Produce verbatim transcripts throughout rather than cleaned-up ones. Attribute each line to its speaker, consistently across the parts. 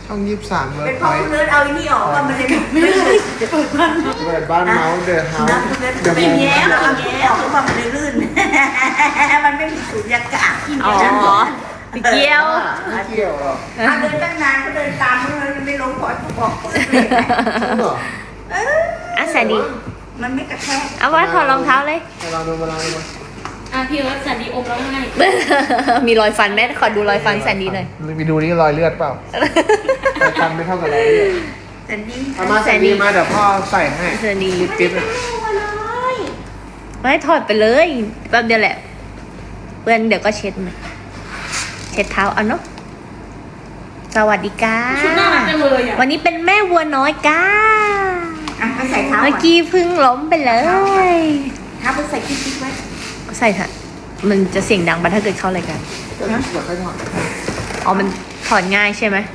Speaker 1: ช่องยี่สิบสามเวิร์
Speaker 2: เป็
Speaker 1: ก
Speaker 2: น
Speaker 1: พ
Speaker 2: พ่อ
Speaker 1: อย
Speaker 2: คุณเลิศเอาอันนี้ออกว่ามันเลยไม่ได้
Speaker 1: เปิดบ้านเมาส์เดอะเฮาส์เดอะ
Speaker 2: ไม่
Speaker 1: โม
Speaker 2: แย้มเอาแย้มออกว่ามันเลยลื่นมันไม่มีสุญญากาศ
Speaker 3: อ๋อเกี่ยว
Speaker 1: ไม่เกี่ยวหรอก
Speaker 2: เดินตั้งนานก็เดินตามมันเลยไม่ลงพอบอก
Speaker 1: จริงเหรอ
Speaker 3: อ่ะแสนดี
Speaker 2: มันไม่กระแทก
Speaker 3: เอาไว้ถอดรองเท้าเลย
Speaker 1: มาลองดูมาลองดูมา
Speaker 4: อ่ะพี่ว่าแสนดีอมแล้วไง
Speaker 3: มีรอยฟันไหมขอดูรอยฟันแสนดีหน่อย
Speaker 1: ไปดูนี่รอยเลือดเปล่าไปทำไม่เท่ากับรอยเลือด
Speaker 2: แต่ดี
Speaker 1: เอามาแสนดีมาเดี๋ยวพ่อใส่ให้
Speaker 3: แสนดี
Speaker 1: จิ๊บๆอะ
Speaker 3: ไม่ถอดไปเลยแป๊บเดียวแหละเพื่อนเดี๋ยวก็เช็ดไหมเช็ดเท้าเอาเนาะสวัสดีค่ะ
Speaker 4: ชุดน่ารักจังเลยอ่ะ
Speaker 3: วันนี้เป็นแม่วัวน้อยก้า
Speaker 2: อ่ะไปใส่เท้า
Speaker 3: เมื่อกี้เพึ่งล้มไปเลย
Speaker 2: เท้าไปใส่กิ๊กๆไว้
Speaker 3: ใส่ค่ะ มันจะเสียงดังปะถ้าเกิดเข้ารายการ
Speaker 1: เดี๋ยวค่อยถอด
Speaker 3: อ๋อมันถอดง่ายใช่ไหม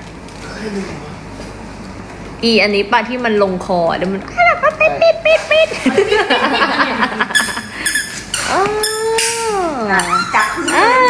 Speaker 3: อีอันนี้ปะที่มันลงคอเดี๋ยวมันปิดปิดปิดปิดอ๋อ
Speaker 2: จับพื้น
Speaker 3: อ้าว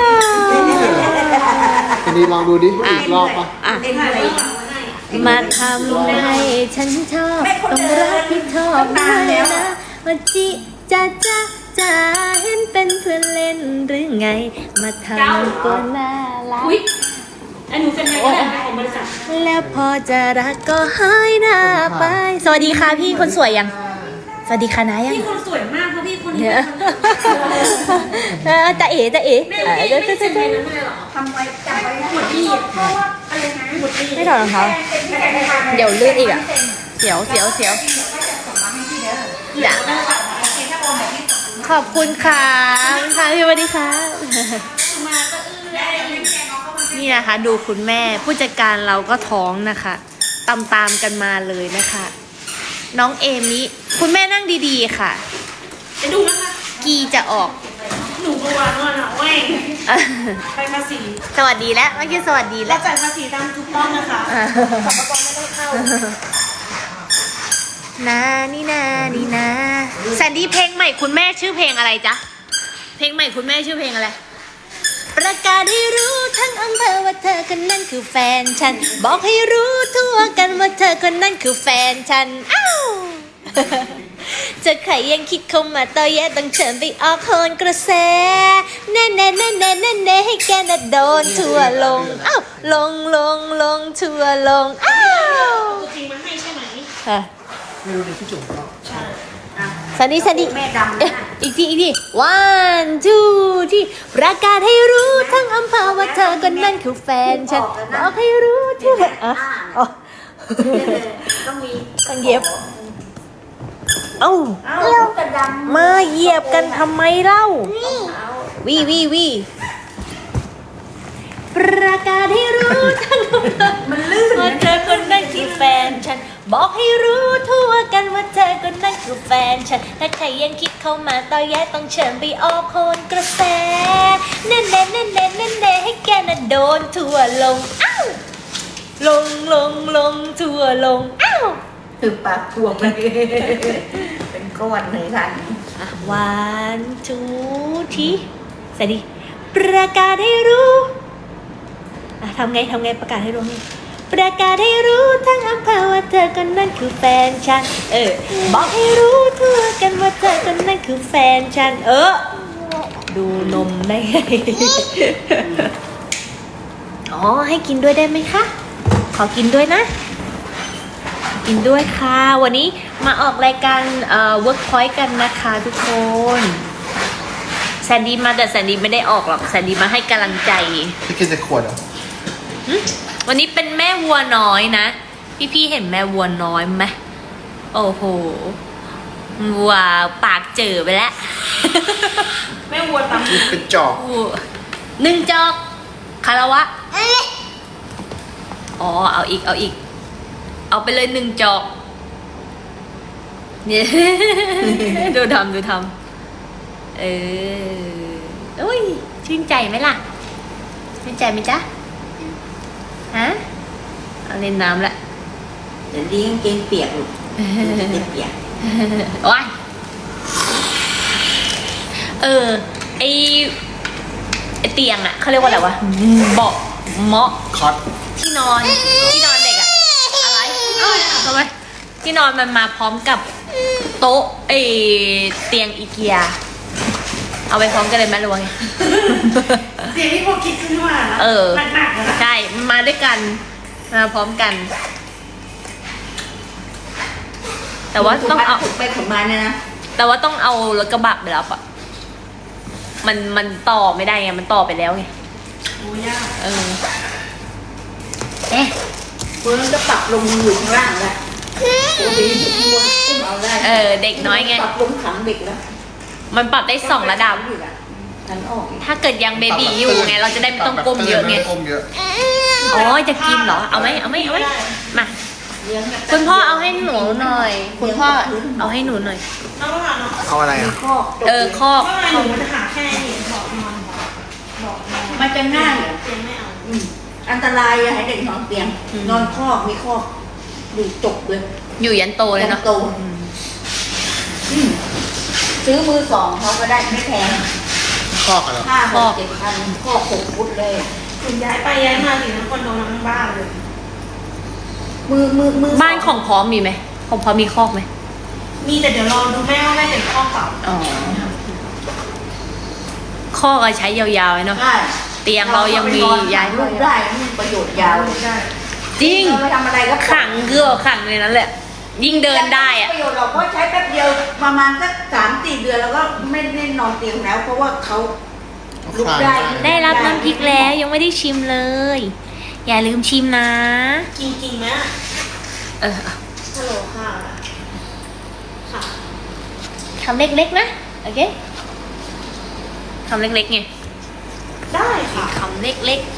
Speaker 1: ทีนี้ลองดูดิอีกรอบปะ
Speaker 3: อ่ะ
Speaker 2: เล่นเลย
Speaker 3: มาทำให้ฉันชอบต้องรักที่ชอบด้วยนะว่าจิจะจะจะเห็นเป็นเพื่อนเล่นหรือไง มาทำตัวน่ารัก
Speaker 4: อุ้ยไอ้หนูเป็นไงก็ได้ของบริษัท
Speaker 3: แล้วพอจะรักก็หายหน้าไป สวัสดีค่ะพี่คนสวยยัง สวัสดีค่ะนะยัง
Speaker 4: พี่คนสวยมากเพราะพี่คนนี้
Speaker 3: เนี่ยเออจะเอ๋จะเอ๋
Speaker 4: แม่
Speaker 3: เออ
Speaker 4: ไม่
Speaker 3: เดี๋ยว
Speaker 4: ไม่
Speaker 3: จะ
Speaker 4: เซ็น
Speaker 3: จะ
Speaker 4: ในนั้นเลยเหรอ
Speaker 2: ทำไว้จับไว้
Speaker 4: หมดที่เพราะว่าอะไรนะหมดที่
Speaker 3: ไม่ถอดรองเท้าเดี๋ยวลื่นอีกอ่ะ เสียวเสียวเสียวจ้ะขอบคุณค่ะค่ะพี่สวัสดีค่ะ
Speaker 4: มาก็เอื้อย
Speaker 3: นี่นะคะ ดูคุณแม่ผู้จัดการเราก็ท้องนะคะตามตามๆกันมาเลยนะคะ น้องเอมิคุณแม่นั่งดีๆค่ะ
Speaker 4: จะดูนะคะ
Speaker 3: กีจะออก
Speaker 4: หนูก็วานว่าหน่ะแหว่งไปภาษี
Speaker 3: สวัสดีแล้วเมื่อกี้สวัสดีแล้
Speaker 4: เรา
Speaker 3: ว
Speaker 4: จ่ายภาษีตามถูกต้องนะคะสรรพากรไม่ต้องเข้า
Speaker 3: นานี่นานี่นาแซนดี้เพลงใหม่คุณแม่ชื่อเพลงอะไรจ๊ะเพลงใหม่คุณแม่ชื่อเพลงอะไร ประกาศให้รู้ทั้งอำเภอว่าเธอคนนั้นคือแฟนฉัน บอกให้รู้ทั่วกันว่าเธอคนนั้นคือแฟนฉันอ้าว จะใครยังคิดเข้ามาต่อแย่ต้องเชิญไปออกโคนกระแสแน่แน่แน่แน่แน่แน่ให้แกน่ะโดนทั่วลงอ้าวลงลงลงทั่วลงอ้าว
Speaker 4: ตัวจริงมาให้ใช่ไหม
Speaker 3: ค่ะ
Speaker 1: ไม่รู้ในที่จุ่มก็
Speaker 4: ใช่
Speaker 3: สันดีสันดี
Speaker 2: แม่ดำ
Speaker 3: เอ๊ะ
Speaker 2: นะ
Speaker 3: อีกทีอีกที one two ที่ประกาศให้รู้ทั้งอำเภอว่าเธอคนนั้นคือแฟนฉันบอกให้รู้ทั่วอ่ะอ๋อ
Speaker 2: ต้องมี
Speaker 3: ต้องเย็บเอ้า
Speaker 2: เอ้ากระดำ
Speaker 3: มาเหยียบกันทำไมเล่าวีวีวีประกาศให้รู้ทั้งอำเภอ
Speaker 2: มันลื่น
Speaker 3: ว่าเธอคนนั้นคือแฟนฉัน บอกให้รู้ทั่วกันว่าเธอคนนั้นคือแฟนฉัน ถ้าใครยังคิดเข้ามาต่อแย่ต้องเชิญไปออกโคนกระแสแน่แน่แน่แน่แน่แน่ให้แกน่ะโดนทั่วลงอ้าวลงลงลงทั่วลงอ้าว
Speaker 2: คือปากถ่วงเลยเป็นก้อนเลยค่ะ
Speaker 3: วันทูทีสวัสดีประกาศให้รู้อ่ะทำไงทำไงประกาศให้รู้นี่ประกาศให้รู้ทั้งอำเภอว่าเธอคนนั้นคือแฟนฉัน เออ บอกให้รู้ทั่วกันว่าเธอคนนั้นคือแฟนฉัน เออ ดูนมได้ไง อ๋อ ให้กินด้วยได้ไหมคะ ขอกินด้วยนะ กินด้วยค่ะ วันนี้มาออกรายการเอ่อ Workpoint กันนะคะทุกคนแซนดี้มาแต่แซนดี้ไม่ได้ออกหรอกแซนดี้มาให้กำลังใจ
Speaker 1: พี่กินจะขวดเหรอ
Speaker 3: หึวันนี้เป็นแม่วัวน้อยนะ พี่ๆเห็นแม่วัวน้อยไหมโอ้โหวัวปากเจอไปแล้ว
Speaker 4: แม่วัวตำ
Speaker 1: นี่เป็นจอก
Speaker 3: หนึ่งจอกคาราวะอ๋อเอาอีกเอาอีก เอาไปเลยหนึ่งจอกเนี่ย ดูทำดูทำเอออุ้ยชื่นใจไหมล่ะชื่นใจไหมจ๊ะฮะเอาเล่นน้ำละ
Speaker 2: เดี๋ยวนี้กางเกงเปียกลูกเปียก
Speaker 3: ว้ายเออไอไอเตียงอะเขาเรียกว่าอะไรวะเบาะเมาะ
Speaker 1: คอต
Speaker 3: ที่นอนที่นอนเด็กที่นอนมันมาพร้อมกับโต๊ะไอเตียงอีเกีย เอาไปพร้อมกันเลยไหมหรือว่าไง
Speaker 4: เสียงที่พวกคิดขึ้นมานะ
Speaker 3: เออ
Speaker 4: หนักๆเลยนะ
Speaker 3: ใช่มาด้วยกันมาพร้อมกัน แต่ว่าต้องเอา
Speaker 2: ไปขนมาเนี่ยนะ
Speaker 3: แต่ว่าต้องเอารถกระบะไปรับอ่ะมันมันต่อไม่ได้ไงมันต่อไปแล้วไง
Speaker 4: โอ้ยาก
Speaker 3: เออเอ๊ะ
Speaker 2: คุณจะปรับลงอยู่ข้างล่างแล้วโอ้โหอุ้มเอาได้
Speaker 3: เออเด็กน้อยไง
Speaker 2: ปรับลงขังเด็กแล้ว
Speaker 3: มันปรับได้สองระดับ
Speaker 2: ฉันออกอีก
Speaker 3: ถ้าเกิดยังเบบีอยู่ไง เราจะได้ไม่ต้องก้มเยอะไง
Speaker 1: ก้มเยอะ
Speaker 3: อ๋อจะกินเหรอ เอาไหมเอาไหมเอาไหมมา
Speaker 2: เลี้ยงแบบ
Speaker 3: คุณพ่อเอาให้หนูหน่อย คุณพ่อเอาให้หนูหน่อย
Speaker 4: น้องก็มาเนาะ
Speaker 1: เอาอะไร
Speaker 2: มี
Speaker 1: อ่ะ
Speaker 2: ข้อตก
Speaker 3: เออคอก
Speaker 4: ว่าไงหนูมันจะหาแค่นี้บอกนอนบอกนอน
Speaker 2: มันจะง่าย
Speaker 4: เตียงไม่เอา
Speaker 2: อืมอันตรายอย่าให้เด็กนอนเตียง นอนคอกมีคอกอยู่จบเลย
Speaker 3: อยู่ยันโตเลยเนาะ
Speaker 2: โตอืมซื้อมือสองเขาก็ได้ไม่แพง
Speaker 1: คอกอะไร
Speaker 2: ห้าหกเจ็ดพันคอกหกฟุตเลย
Speaker 4: คุณย้ายไปย้ายมาถึงทั้งคอนโดทั้งบ้านเลย
Speaker 2: มือมือมือ
Speaker 3: บ้านของพร้อมมีไหมของพร้อมมีคอกไหม
Speaker 4: มีแต่เดี๋ยวรอดูแม่ว่าแม่เป็นข้อเก่า
Speaker 3: อ๋อคอกอะใช้ยาวๆเลยเนาะ
Speaker 2: ใช่
Speaker 3: เตียงเรายังมีย้าย
Speaker 2: ลูกได้มีประโยชน์ยาว
Speaker 4: ได้
Speaker 3: จริง
Speaker 2: เราไปทำอะไรก็
Speaker 3: ขังเกลือขังในนั้นแหละ ยิ่งเดินได้อะ
Speaker 2: ประโยชน์เราก็ใช้แป๊บเดียวประมาณสักสามสี่เดือนแล้วก็ไม่ได้นอนเตียงแล้ว เพราะว่าเขาลุกได้
Speaker 3: ได้รับน้ำพริกแล้วยังไม่ได้ชิมเลย อย่าลืมชิมนะ
Speaker 4: กินกินไหม
Speaker 3: เออ
Speaker 4: ฮัลโหลค่ะ ค่ะ
Speaker 3: คำเล็กๆนะ โอเคคำเล็กๆไง
Speaker 4: ได้ค่ะ
Speaker 3: คำเล็ก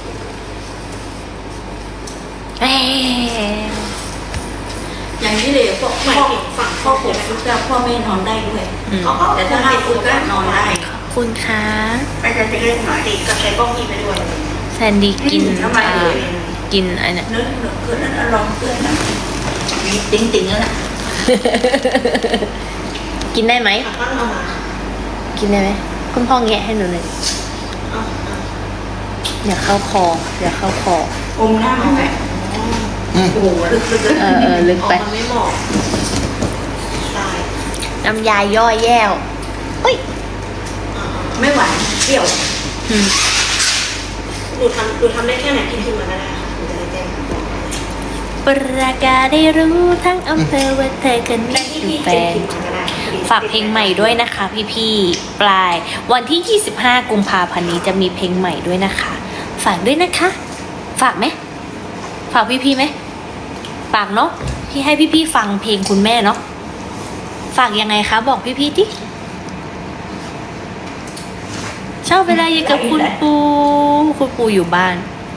Speaker 3: ๆเอ้ย
Speaker 2: อย่างนี้เลยพวก
Speaker 4: หมาย
Speaker 2: พ่อ
Speaker 4: ถึงฝั่ง
Speaker 2: พ่อผมฟุตก็พ่อแม่นอนได้ด้วย
Speaker 3: อืม
Speaker 4: เขาก็
Speaker 2: แต่ถ้าห้าฟุตก็นอนได้
Speaker 3: ขอบคุณค่ะ
Speaker 2: ไปจะเล่นหน่อย
Speaker 4: ติดกับใช้กล้องอีไปด้วย
Speaker 3: แซนดี้กิน
Speaker 2: ทำไม
Speaker 3: เอ่อกินอะไรเนี่ย
Speaker 2: เนื้อเนื้อคือนั้นอารมณ์เพื่อนนะมีติ๊งติ๊งแล้วนะ
Speaker 3: กินได้ไหม
Speaker 4: อ่ะก็เอามา
Speaker 3: กินได้ไหมคุณพ่อแงะให้หนูหน่อย
Speaker 4: เอาเอา
Speaker 3: อย่าเข้าคออย่าเข้าคอ
Speaker 2: อมหน้ามันไหมโอ้โหลึกลึกลึก
Speaker 3: เออเออลึก
Speaker 4: ออก
Speaker 3: ไป
Speaker 4: มันไม่เหมาะตาย
Speaker 3: น้ำยาย่อยแย่วเฮ้ย
Speaker 4: อ่า
Speaker 2: ไม่หวานเปรี้ยว
Speaker 3: อืม
Speaker 4: ๆหนูทำหนูทำได้แค่ไหนกินขึ้นมาก็ได้ค่ะหนูจะได้แจ้ง
Speaker 3: ประกาศได้รู้ทั้งอำเภอว่าเธอคนนี้
Speaker 4: ที่
Speaker 3: คือ
Speaker 4: พี่
Speaker 3: แฟ
Speaker 4: เจ็ด
Speaker 3: น
Speaker 4: ขึ้นมาก็ได้
Speaker 3: ฝากเพลงใหม่ด้วยนะคะพี่ๆปลายวันที่ ยี่สิบห้า กุมภาพันธ์นี้จะมีเพลงใหม่ด้วยนะคะ ฝากด้วยนะคะ ฝากไหมฝากพี่ๆไหมฝากเนาะพี่ให้พี่ๆฟังเพลงคุณแม่เนาะฝากยังไงคะบอกพี่ๆที่ชอบเวลาอยู่กับคุณปูคุณปูอยู่บ้าน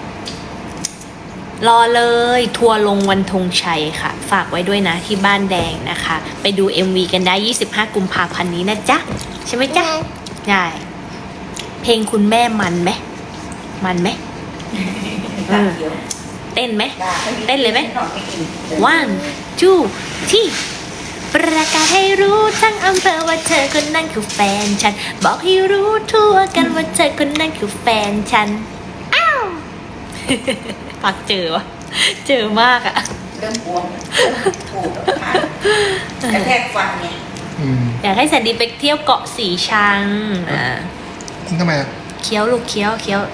Speaker 3: รอเลยทัวร์ลงวันธงชัยค่ะ ฝากไว้ด้วยนะที่บ้านแดงนะคะ ไปดู เอ็ม วี กันได้ ยี่สิบห้า กุมภาพันธ์นี้นะจ๊ะ ใช่ไหมจ๊ะได้เพลงคุณแม่มันไหมมันไหม
Speaker 2: ตาเขียว
Speaker 3: เต้นไหม
Speaker 2: ด่า
Speaker 3: เต้นเลยไหม
Speaker 2: นอนไม่กิน
Speaker 3: one two ที่ประกาศให้รู้ทั้งอำเภอว่าเธอคนนั้นคือแฟนฉัน บอกให้รู้ทั่วกันว่าเธอคนนั้นคือแฟนฉัน อ้าว ปักเจอวะเจอมากอะ
Speaker 2: เริ่มบวมถูกมากกระแทกฟันเนี่ย
Speaker 1: อืม
Speaker 3: อยากให้แซนดี้ไปเที่ยวเกาะสีชังอ่า
Speaker 1: ทำไมอ่ะ
Speaker 3: เคี้ยวลูกเคี้ยวเคี้ยว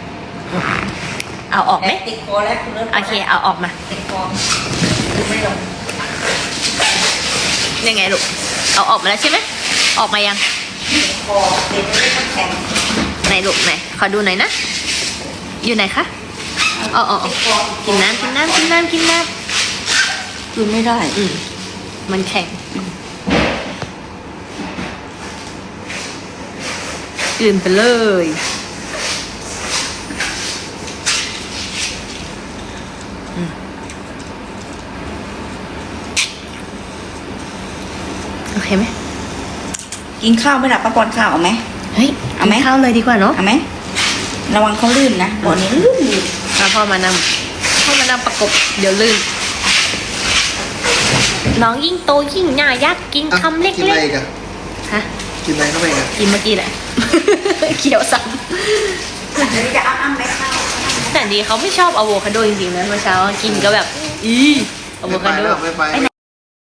Speaker 3: เอาออกไหม
Speaker 2: ติดคอแล้วคุณเริ่ม
Speaker 3: โอเค เอาออกมา
Speaker 2: ติดคอคือไม่ลง
Speaker 3: ยังไงลูก เอาออกมาแล้วใช่ไหม ออกมายัง
Speaker 2: ติดคอเด็กไม่ต้องแข็ง
Speaker 3: ไหนลูกไหน ขอดูหน่อยนะ อยู่ไหนคะอ๋ออ๋ออ๋อ
Speaker 2: ติดคอ
Speaker 3: กินน้ำกินน้ำกินน้ำกินน้
Speaker 2: คือไม่ได้
Speaker 3: ำอืมมันแข็งอื่นไปเลยอืมโอเคไหม
Speaker 2: กินข้าวไหม่หลับป้าปอนข้าวเอาไหม
Speaker 3: เฮ้ย
Speaker 2: เอาไหม
Speaker 3: กินข้าวเลยดีกว่าเนาะ
Speaker 2: เอาไหมระวังเขาลื่นนะบ่อนี้ลื่นลื่น
Speaker 3: มาพ่อมานำพ่อมานำประกบ เดี๋ยวลื่น น้องยิ่งโตยิ่งหน้ายักษ์กิน
Speaker 1: อ่ะ
Speaker 3: คำเล็
Speaker 1: กินอะไร
Speaker 3: ก
Speaker 1: อีกัน
Speaker 3: ๆ ฮะ
Speaker 1: กินอะไรเข้าไปอีกัน
Speaker 3: กินเมื่อกี้แหละ เขียวซ้
Speaker 2: เดี๋ยวจะอ้ำอ้ำไหมข้าว
Speaker 3: ำแต่ดีเขาไม่ชอบอะโวคาโดจริงๆนะเมื่อเช้ากินก็แบบ อีอะโว
Speaker 1: ไม่ไป
Speaker 3: คาโด
Speaker 1: แล้วไม่ไป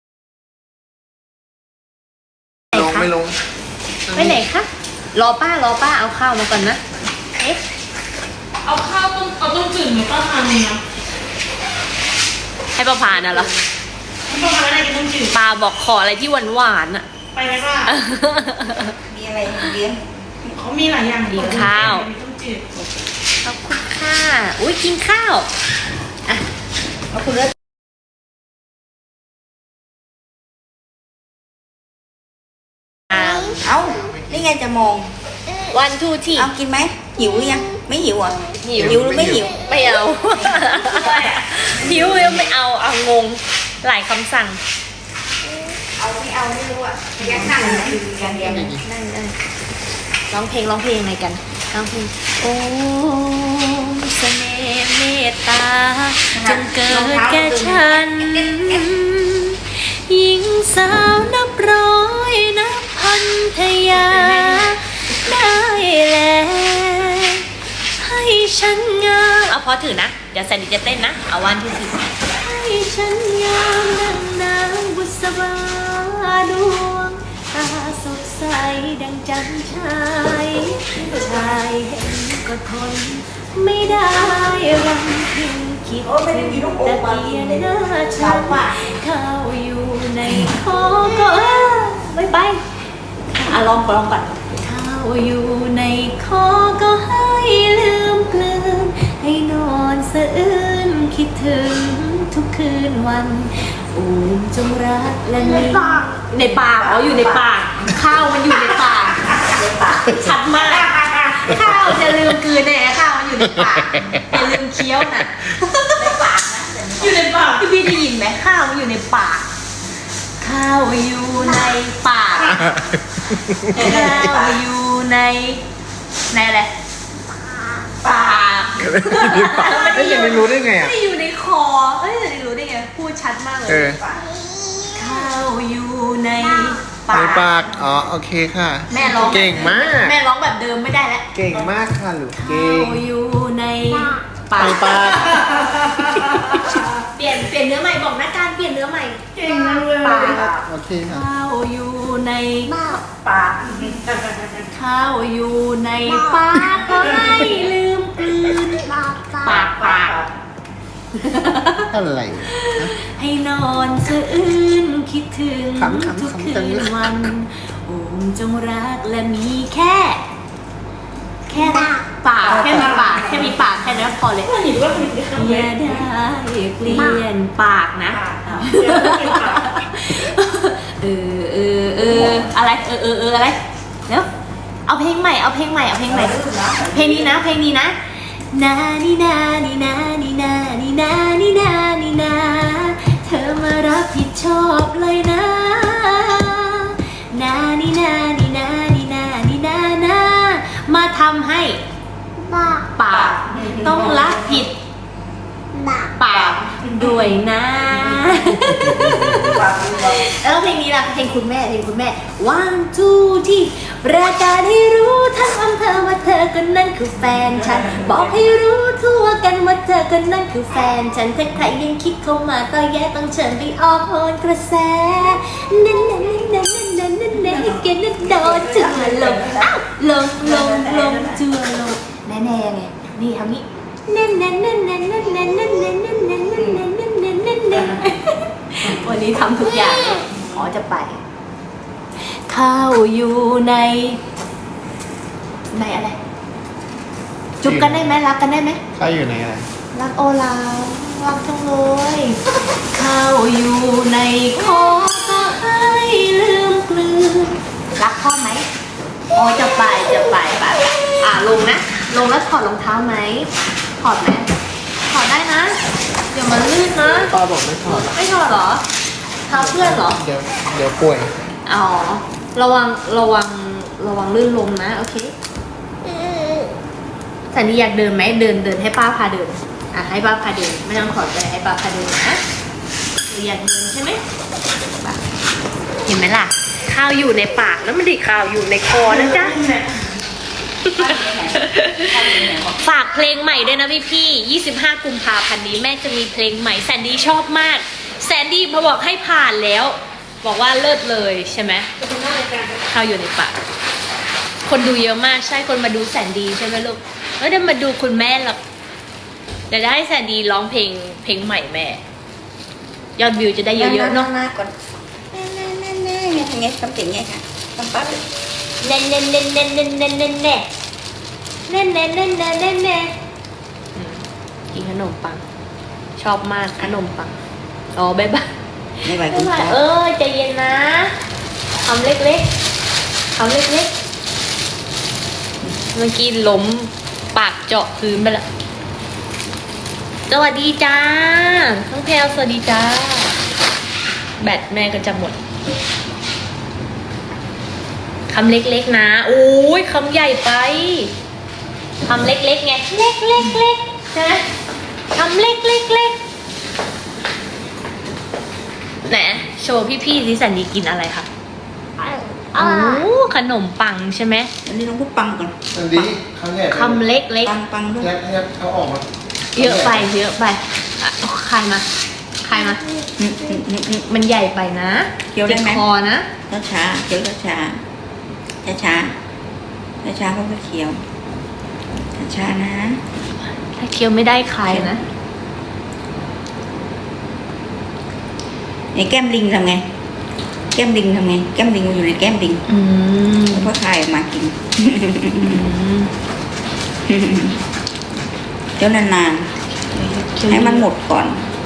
Speaker 3: รอป้ารอป้าเอาข้าวมาก่อนนะเอ๊ะ
Speaker 4: เอาข้าวต้มเอาต้มจืดหนูก็ทำเองนะ
Speaker 3: ให้ป้าพาน่ะเหรอ
Speaker 4: ไม่ต้องทำอะไรกินต้มจืด
Speaker 3: ป้าบอกขออะไรที่หวานหวานๆอะ
Speaker 4: ไปไหมป้า
Speaker 2: มีอะไรเลี้ยง
Speaker 4: เขามีหลายอย่าง
Speaker 3: กินข้าว
Speaker 4: มีต้มจืด
Speaker 3: ขอบคุณค่ะอุ้ยกินข้าวอ่ะ
Speaker 2: เอาคุณเลิศ
Speaker 3: อ้าว
Speaker 2: เอานี่ไงจะมอง
Speaker 3: วันทูที
Speaker 2: เอากินไหมหิวหรือยังไม่หิวอ่ะ
Speaker 3: หิว
Speaker 2: หิวหรือไม่หิว
Speaker 3: ไม่เอา หิวยังไม่เอาเอางงหลายคำสั่ง
Speaker 2: เอาไม่เอาไม่รู้อ่ะแยกนั่งอย่างเดียว
Speaker 3: นั่งนั่งร้องเพลงร้องเพลงอะไรกันร้องเพลงโอ้เสน่ห์เมตตาจงเกิดแก่ฉันหญิงสาวนับร้อยนับพันทยาได้แล้วให้ฉันงามเอาพอถือนะ เดี๋ยวแซนดี้จะเต้นนะ เอาวันที่สิบให้ฉันงามดังนางบุษบาดวงตาสดใสดังจันทรายชายเห็นก็ทนไม่ได้รำพึงคิดถึงตะเกียนหน้าฉันข้าวอยู่ในคอก็เออไม่ไปอ่ะลองก่อนลองก่อนข้าวอยู่ในคอก็ให้ลืมกลืนให้นอนสะอื้นคิดถึงทุกคืนวันอูมจงรักและมีในปากอ๋ออยู่ในปาก ข้าวมันอยู่ในปากชัดมาก ข้าวจะลืมกลืนแน่ข้าวมันอยู่ในปากอย่าลืมเคี้ยวน่ะในปากนะอยู่ในปากพี่พี่ได้ยินไหมข้าวมันอยู่ในปาก ข้าวอยู่ในปากข้าวอยู่ในในอะไรปาก
Speaker 1: ไม่ยังไม่รู้ได้ไงอ่ะ
Speaker 3: ไม่ได้อยู่ในคอเอ้ยจะได้รู้ได้ไงพูดชัดมากเลย
Speaker 1: เออ
Speaker 3: ข้าวอยู่ใน
Speaker 1: ใน
Speaker 3: ปาก
Speaker 1: ปาก อ๋อ โอเคค่ะ
Speaker 3: แม่ร้อง
Speaker 1: เก่งมาก
Speaker 3: แม่ร้องแบบเดิมไม่ได้แล้ว
Speaker 1: เก่งมากค่ะลูกเก่
Speaker 3: ข้าง วอยู่ในปา
Speaker 1: ใน
Speaker 3: ก
Speaker 1: ปาก
Speaker 3: เปลี่ยนเปลี่ยนเนื้อใหม่บอกนะการเปลี่ยนเนื้อใหม่
Speaker 4: เก่งมากเลย
Speaker 3: ปาก
Speaker 1: โอเคค่ะ
Speaker 3: ข้าวอยู่ใน
Speaker 2: ปาก
Speaker 3: ข้าวอยู่ในปากก็ให้ลืมกลืนปากปากปาก
Speaker 1: อะไร
Speaker 3: ให้นอนสะอื้นคิดถึง
Speaker 1: ขำขำ
Speaker 3: ทุก
Speaker 1: ขำ
Speaker 3: คื
Speaker 1: จัง
Speaker 3: น
Speaker 1: เลย
Speaker 3: วันโอมจงรักและมีแค่ แค่ปากแค่มีปากแค่มีปากแค่นั้นพอเลย
Speaker 4: หนูว่าคุณจะทำ
Speaker 3: อ
Speaker 4: อะไร
Speaker 3: ย่าได้เปลี่ยนปากนะ
Speaker 4: เดี๋ยวเราเป็นปาก
Speaker 3: เออเออเอออะไรเออเออเอออะไรเดี๋ยวเอาเพลงใหม่เอาเพลงใหม่เอาเพลงใหม่เพลงนี้นะเพลงนี้นะนานี่นานี่นานี่นานี่นานี่นานี่นาเธอมารับผิดชอบเลยนะนานี่นานี่นานี่นานี่นานามาทำให้ปากต้องรับผิดปากด้วยนะ แล้วเพลงนี้ล่ะเพลงคุณแม่เพลงคุณแม่ one two ที่ประกาศให้รู้ทั้งอำเภอว่าเธอคนนั้นคือแฟนฉัน บอกให้รู้ทั่วกันว่าเธอคนนั้นคือแฟนฉันถ้าใครยังคิดเข้ามาก็แย่ต้องเชิญไปออกโหนกระแสนั่นนั่นนั่นนั่นนั่นนั่นนั่นเกณฑ์โดนจัวลงอ้าวลงลงลงจัวลงแน่แน่ไงนี่ทำนี้นั่นนั่นนั่นนั่นนั่นนั่นนั่นนั่นนั่นนั่นนั่นนั่นนั่นนั่นนั่นนั่นวันนี้ทำทุกอย่างขอจะไปข้าวอยู่ในในอะไร จุบกันได้ไหมรักกันได้ไหม
Speaker 1: เขาอยู่ในอะไร
Speaker 3: รักโอลาวรักจังเลยข้าวอยู่ในคอก็ให้ลืมกลืนรักพ่อไหมโอจะไปจะไปไปอ่ะลงนะลงแล้วถอดรองเท้าไหมถอดไหมถอดได้นะเดี๋ยวมันลื่นนะ
Speaker 1: ป้าบอกไม่ถอดหรอก
Speaker 3: ไม่ถอดเหรอเท้าเพื่อนเหรอ
Speaker 1: เดี๋ยวเดี๋ยวป่วย
Speaker 3: อ๋อ ระวัง ระวัง ระวังลื่นลมนะ โอเคสันนี่อยากเดินไหม เดิน เดินให้ป้าพาเดิน อ่ะ ให้ป้าพาเดิน ไม่ต้องขอใจให้ป้าพาเดินนะหนูอยากเดินใช่ไหมไปเห็นไหมล่ะ ข้าวอยู่ในปากแล้วมันไดีข้าวอยู่ในคอนะจ๊ะ ฝากเพลงใหม่ด้วยนะพี่พี่ยี่สิบห้ากุมภาพันธ์นี้แม่จะมีเพลงใหม่แซนดี้ชอบมาก แซนดี้พอบอกให้ผ่านแล้ว บอกว่าเลิศเลยใช่ไหมข้าวอยู่ในปากคนดูเยอะมากใช่คนมาดูแสนดีใช่ไหมลูกไม่ได้มาดูคุณแม่หรอกเดี๋ยวจะให้แสนดีร้องเพลงเพลงใหม่แม่ ยอดวิวจะได้เยอะๆเนาะ
Speaker 2: หน้าก่อนแน่แน่แน่แน่ไงทำไงทำเสียงไงค่ะทำปั๊บ
Speaker 3: เน่นเน่นเน่นเน่นเน่นเน่นเน่นเน่เน่นเน่นเน่นเน่นเน่นเน่กินขนมปังชอบมากขนมปังอ๋อบ๊ายบาย
Speaker 2: ไม่ไหว
Speaker 3: บ๊า
Speaker 2: คุ
Speaker 3: ย
Speaker 2: ณ
Speaker 3: บาย
Speaker 2: ตา
Speaker 3: เออใจเย็นนะคำเล็กๆคำเล็กๆเมื่อกี้ล้มปากเจาะพื้นไปละสวัสดีจ้าน้องแพลวสวัสดีจ้าแบตแม่ก็จะหมดคำเล็กๆนะโอ้ยคำใหญ่ไปคำเล็กๆไงเล็กเล็กเล็กใช่ไหมคำเล็กเล็กเล็กไหนโชว์พี่ๆดิสันดีกินอะไรคะโอ้ขนมปังใช่ไหม
Speaker 2: อันนี้ต้องพูดปังก่อน
Speaker 1: อันนี้ครั้งแรก
Speaker 3: คำเล็กเล็ก
Speaker 2: ปังปังด้วย
Speaker 1: ยัดยัดเอาออกมา
Speaker 3: เยอะไปเยอะไปอ่ะเอาใครมาใครมา
Speaker 2: อืมอืมอืมอืม
Speaker 3: มันใหญ่ไปนะ
Speaker 2: เคี้ยวได้ไหม
Speaker 3: ติคอนะ
Speaker 2: ช้าช้าเคี้ยวช้าช้าช้าช้าช้าช้าเขาก็เคี้ยวช้าช้านะ
Speaker 3: ถ้าเคี้ยวไม่ได้ใครนะ
Speaker 2: ไอ้แก้มลิงทำไง แก้มลิงทำไง แก้มลิงมันอยู่ในแก้มลิง
Speaker 3: อืม
Speaker 2: แล้วก็คายออกมากิน
Speaker 3: อืม
Speaker 2: เคี้ยวนานๆให้มันหมดก่อน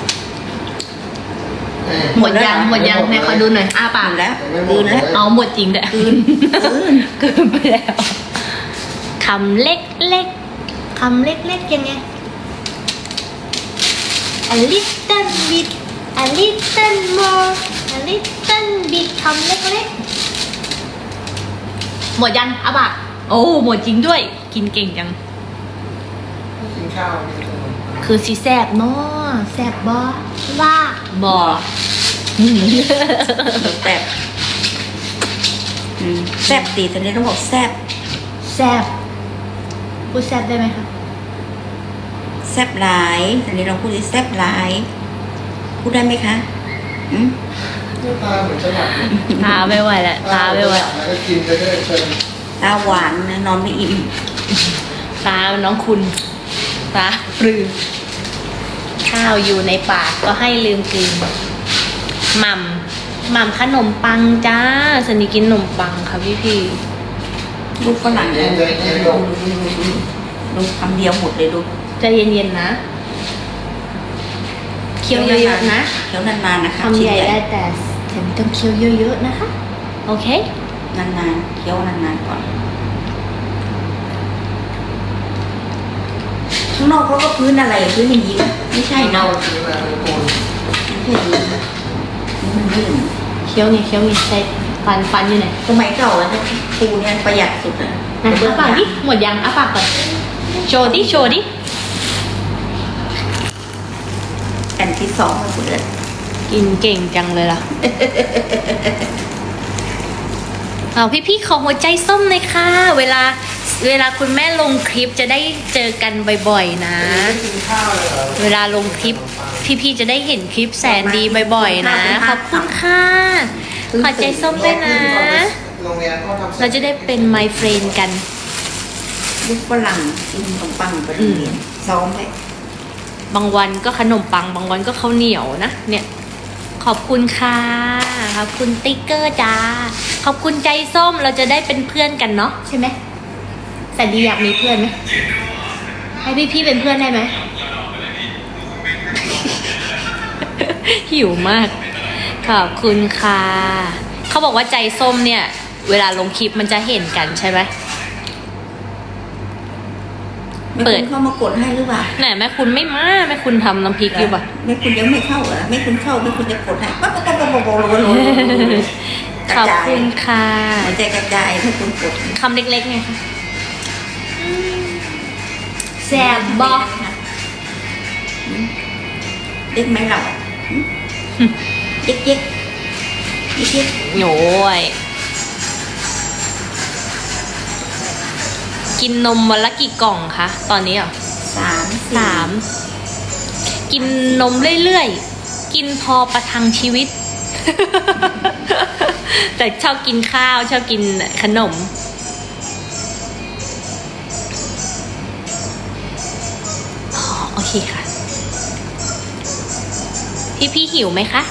Speaker 3: หมดยังหมดยังแม่ขอดูหน่อยอ้าปาก
Speaker 2: หมดแล้ว
Speaker 1: ยังไม่หม
Speaker 2: คื
Speaker 1: ด
Speaker 2: นแล้ว
Speaker 3: เอาหมดจริงด้วย
Speaker 2: คืนคืน
Speaker 3: เกินไปแล้วคำเล็กเล็กคำเล็กเล็กยังไง a little bit a little more a little bit คำเล็กเล็กหมดยังอ้าปากโอ้หมดจริงด้วย กินเก่งจัง
Speaker 1: กินข้าวกินขนม
Speaker 3: คือสีแซบเนาะแซบบ่ว่าบ่
Speaker 2: แซ่บอืมแซ่บตีตอนนี้ต้องบอกแซ่บ
Speaker 3: แซบพูดแซบได้ไหมคะ
Speaker 2: แซ่บหลายตอนนี้เราพูดดิแซ่บหลาย พูดได้ไหมคะอืม
Speaker 1: หน้าตาเหมือนฉลาดนะ
Speaker 3: ตาไม่ไหวแล้วตาไม่ไหว
Speaker 1: แล้วก็กินไปเรื่อยเพลิน
Speaker 2: ตาหวานนะนอนไม่อิ่ม
Speaker 3: ตาน้องคุณ ตาปลือข้าวอยู่ในปากก็ให้ลืมกินหม่ำหม่ำขนมปังจ้าสนิกินขนมปังค่ะพี่พี่
Speaker 2: ลูกฝรั่ง
Speaker 1: เย็นใจเย็นลง
Speaker 2: ลูกคำเดียวหมดเลยลูก
Speaker 3: ใจเย็นๆนะเคี้ยวเยอะๆนะ
Speaker 2: เคี้ยวนานๆนะคะ
Speaker 3: คำใหญ่ได้แต่แต่ไม่ต้องเคี้ยวเยอะๆนะคะโอเคน
Speaker 2: านๆเคี้ยวนานๆก่อนข้างนอกเขาก็พื้นอะไรพื้นอย่างนี้ไม่ใช่
Speaker 1: เน่า
Speaker 2: เนาะ
Speaker 1: กินมาทุกคน
Speaker 2: ไม่ใช่อย่างนี้นี่มันไม่ถึง
Speaker 3: เคี้ยวไงเคี้ยวไงใช่ฟันฟันอยู่ไหน
Speaker 2: สมัยเก่าอะปูเนี่ยประหยัดสุดอะ
Speaker 3: ไหนอ้าปากดิหมดยังอ้าปากก่อนโชว์ดิโชว์ดิ
Speaker 2: แผ่นที่สองเลยคุณเอิญ
Speaker 3: กินเก่งจังเลยล่ะ เอาพี่ๆขอหัวใจส้มหน่อยค่ะ เวลาเวลาคุณแม่ลงคลิปจะได้เจอกันบ่อยๆนะ
Speaker 1: กินข้าวเลยเหรอ
Speaker 3: เวลาลงคลิปพี่ๆจะได้เห็นคลิปแสนดีบ่อยๆนะ ขอบคุณค่ะ ขอใจส้มด้วยนะ
Speaker 1: โรงเรียนเขาทำ
Speaker 3: เราจะได้เป็น my friend กัน
Speaker 2: ลูกฝรั่งกินขนมปังไปโรงเรียนซ้อมไว้
Speaker 3: บางวันก็ขนมปัง บางวันก็ข้าวเหนียวนะ เนี่ย ขอบคุณค่ะ ขอบคุณติ๊กเกอร์จ้า ขอบคุณใจส้ม เราจะได้เป็นเพื่อนกันเนาะใช่ไหมแสนดีอยากมีเพื่อนไหม ให้พี่ๆเป็นเพื่อนได้ไหม หิวมาก ขอบคุณค่ะ เขาบอกว่าใจส้มเนี่ย เวลาลงคลิปมันจะเห็นกันใช่ไหม
Speaker 2: ไม่
Speaker 3: เปิ
Speaker 2: คุ
Speaker 3: ด
Speaker 2: ณเข้ามากดให้หรือเปล่า
Speaker 3: ไหนแม่คุณไม่มาแม่คุณทำน้ำพริกอยู่ปะ
Speaker 2: ไม่คุณยังไม่เข้าเหรอไม่คุณเข้าไม่คุณจะกดให้ปั๊บปั๊บปั๊บปั๊บปั๊บปั๊บปั๊บปั๊บ
Speaker 3: ขอบคุณค่ะ
Speaker 2: หัวใจกระจายให้คุณกด
Speaker 3: คำเล็กๆไงคะแซบบอก
Speaker 2: เด็กไหมเราเย็กเย็กเย็กเย็ก
Speaker 3: โอ้ยกินนมวันละกี่กล่องคะตอนนี้เหรอ
Speaker 2: สามสี่
Speaker 3: สามกินนมเรื่อยๆ กินพอประทังชีวิต แต่ชอบกินข้าวชอบกินขนมพี่พี่หิวไหมคะ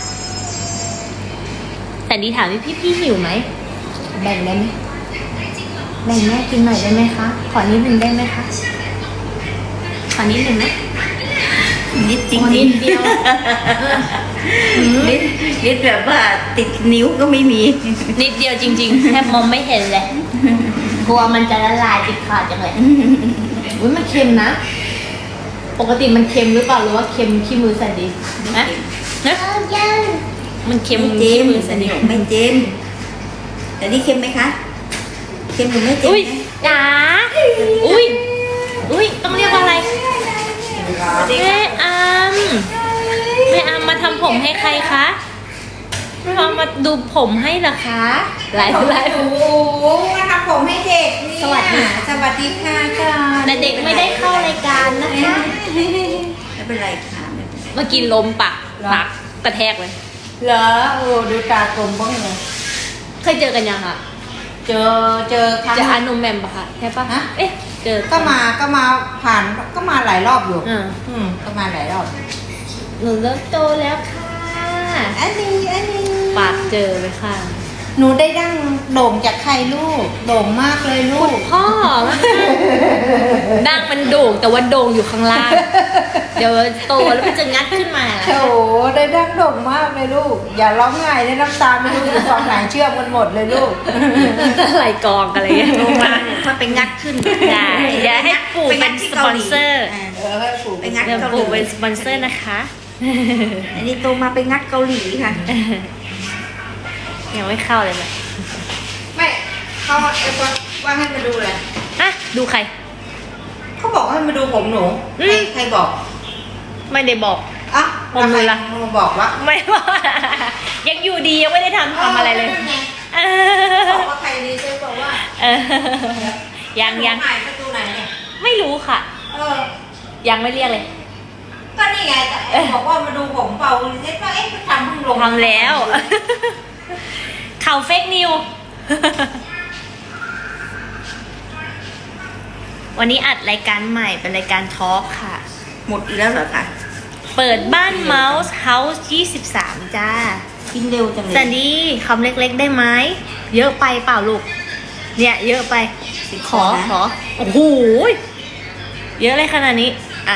Speaker 3: แซนดี้ถามพี่พี่พี่หิวไหมแบ่งได้ไหมแบ่งแม่กินหน่อยได้ไหมคะขอนิดหนึ่งได้ไหมคะขอนิดหนึ่งนะ
Speaker 2: นิดจริง
Speaker 3: อ๋อนิดเดียว
Speaker 2: นิดนิดแบบว่าติดนิ้วก็ไม่มี
Speaker 3: นิดเดียวจริงๆ แทบมองไม่เห็นเลย กลัวมันจะละลายติดขาดจังเลยอุ้ยมันเค็มนะ ปกติมันเค็มหรือเปล่าหรือว่าเค็มขี้มือแซนดี้นะนะมันเค็ม
Speaker 2: ไม่เจ
Speaker 3: ขี้
Speaker 2: ม
Speaker 3: มือแซนดี้
Speaker 2: ไม่เจมแต่นี่เค็มไหมคะเค็มหรือไม่เค็ม
Speaker 3: อุ้ย
Speaker 2: นะ
Speaker 3: จ๋าอุ้ยอุ้ยต้องเรียกว่าอะไรแม่อามแม่อามมาทำผมให้ใครคะมามาดูผมให้เหรอคะหลายหลาย
Speaker 2: โอ้โหมาทำผมให้เด็กนี่
Speaker 3: สวัสดี
Speaker 2: สวัสดีค่ะก่อน
Speaker 3: แต่เด็กไม่ได้เข้ารายการนะคะ
Speaker 2: ไม่เป็นไรค่ะไม่เป็นไร
Speaker 3: เมื่อกี้ลมปากปากกระแทกเลย
Speaker 2: เหรอโอ้ดูตากลมบ้างเลย
Speaker 3: เคยเจอกันยังคะ
Speaker 2: เจอเจอครั้ง
Speaker 3: เจออานุมแมมปะคะใช่ปะ
Speaker 2: ฮะ
Speaker 3: เอ๊ะเจอ
Speaker 2: ก็มาก็มาผ่านก็มาหลายรอบอยู่
Speaker 3: อ่า
Speaker 2: อืมก็มาหลายรอบ
Speaker 3: หนูเริ่มโตแล้วค่ะ
Speaker 2: อันนี้อันนี้
Speaker 3: ปากเจอเลยค่ะ
Speaker 2: หนูได้ดั้งโด่งจากใครลูกโด่งมากเลยลูก
Speaker 3: พ่อดั้งมันโด่งแต่ว่าโด่งอยู่ข้างล่าง เดี๋ยวโตแล้วมันจะงัดขึ้นมา
Speaker 2: โถได้ดั้งโด่งมากเลยลูก อย่าร้องไห้ได้น้ำตาไม่รู้อยู่ฝั่งไหนเชื่อมกันหมดเลยลูก
Speaker 3: อะไรกองอะไรเงี้ย
Speaker 2: โตมาเนี่ยถ้าไปงัดขึ้น
Speaker 3: ได้อย่าให้ปู่เป็นสปอนเซอร์
Speaker 2: เออให้ปู่ไปงัด
Speaker 3: เดี๋ยว
Speaker 2: เกาห
Speaker 3: ปู่
Speaker 2: ลี
Speaker 3: เป็นสปอนเซอร์นะคะ
Speaker 2: อันนี้โตมาไปงัดเกาหลีค่ะ
Speaker 3: ยังไม่เข้าเลยไหม
Speaker 2: ไม่เขาไอ้ว่าว่าให้มาดูเลย
Speaker 3: อ่ะดูใคร
Speaker 2: เขาบอกให้มาดูผมหนู
Speaker 3: อื
Speaker 2: ใคร
Speaker 3: ม
Speaker 2: ใครบอก
Speaker 3: ไม่ได้บอก
Speaker 2: อ่ะ
Speaker 3: ผมหนูล่ะ
Speaker 2: มาบอกว่า
Speaker 3: ไม่ว่า ยังอยู่ดียังไม่ได้ทำทำอะไรเลย
Speaker 2: นั่นไง
Speaker 3: เอ
Speaker 2: บอก
Speaker 3: อ
Speaker 2: ว่าใครดีเจ๊บอกว่า
Speaker 3: เออยังยัง
Speaker 2: หายประตูไหนเนี่ย
Speaker 3: ไม่รู้ค่ะ
Speaker 2: เออ
Speaker 3: ยังไม่เรียกเลย
Speaker 2: ก็นี่ไงแต่ไอ้บอกว่ามาดูผมเปล่าเจ๊ว่าเอ๊ะทำเพิ่งลง
Speaker 3: ทำแล้ว ข่าวเฟกนิว วันนี้อัดรายการใหม่เป็นรายการทอล์กค่ะ
Speaker 2: หมดอีกแล้วเหรอคะ
Speaker 3: เปิดบ้านเมาส์เฮาส์ยี่สิบสามจ้า
Speaker 2: กินเร็วจังเลย
Speaker 3: แซนดี้คำเล็กๆได้ไหม เยอะไปเปล่าลูก เนี่ยเยอะไป ขอขอ โอ้โห เยอะเลยขนาดนี้ อ่ะ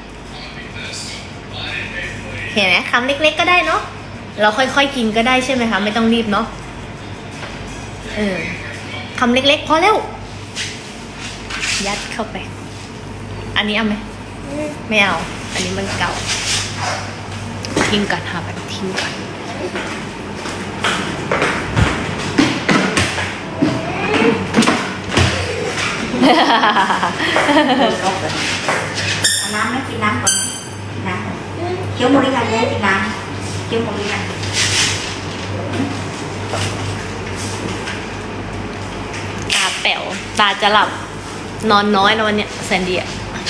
Speaker 3: เห็นไหมคำเล็กๆก็ได้เนาะ เราค่อยๆกินก็ได้ใช่ไหมคะ ไม่ต้องรีบเนาะ เออคำเล็กๆพอแล้ว ยัดเข้าไป อันนี้เอาไหม ไม่เอา อันนี้มันเก่า ทิ้งก่อนค่ะแบบทิ้งก่อน
Speaker 2: เอาน้ำไหมกินน้ำก่อนไหมกินน้ำก่อนเคี้ยวหมดหรือยังเนี่ยกินน้ำเคี้ยวหมดหรือยัง
Speaker 3: ตาแป๋ว ตาจะหลับ นอนน้อยแล้ววันเนี้ยแซนดี้อะ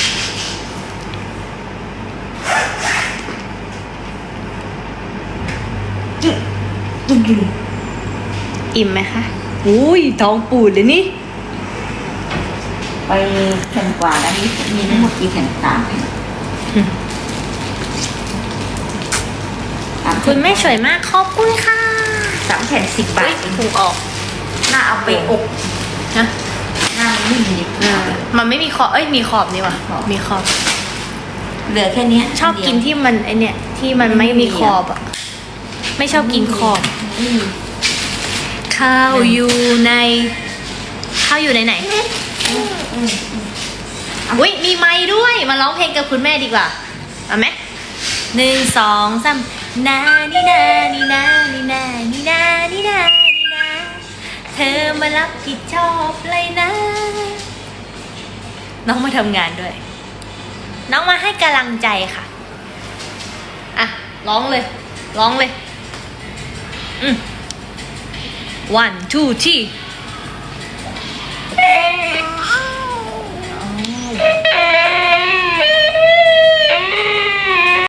Speaker 3: อิ่มไหมคะ อุ้ยท้องปูดเลยนี่
Speaker 2: ไปแผ่นกว่าแล้วนี่มีทั้งหมดกี่แผ่นสามแผ่นสาม
Speaker 3: คุณแม่สวยมาก ขอบคุณค่ะ
Speaker 2: สามแผ่นสิบบา
Speaker 3: อุ้ย
Speaker 2: ท
Speaker 3: ถูกออก
Speaker 2: หน้าเอาไปอบ
Speaker 3: นะ
Speaker 2: หน้ามันนิ่มดิ
Speaker 3: อ่ามันไม่มีขอบ เอ้ย มีขอบนี่หว่ะ
Speaker 2: ขอบ
Speaker 3: มีขอบ
Speaker 2: เหลือแค่เนี้ย
Speaker 3: ชอบกินที่มันไอเนี่ย ที่มันไม่มีขอบอ่ะ ไม่ชอบกินขอบ
Speaker 2: อืม
Speaker 3: ข้าวอยู่ใน ข้าวอยู่ในไหน อุ้ยมีไม้ด้วย มาร้องเพลงกับคุณแม่ดีกว่า เอาไหมหนึ่งสองสามนานี่นานี่นานี่นานี่นานี่นานี่นาเธอมารับผิดชอบเลยนะ น้องมาทำงานด้วย น้องมาให้กำลังใจค่ะ อ่ะ ร้องเลย ร้องเลย อืม one two three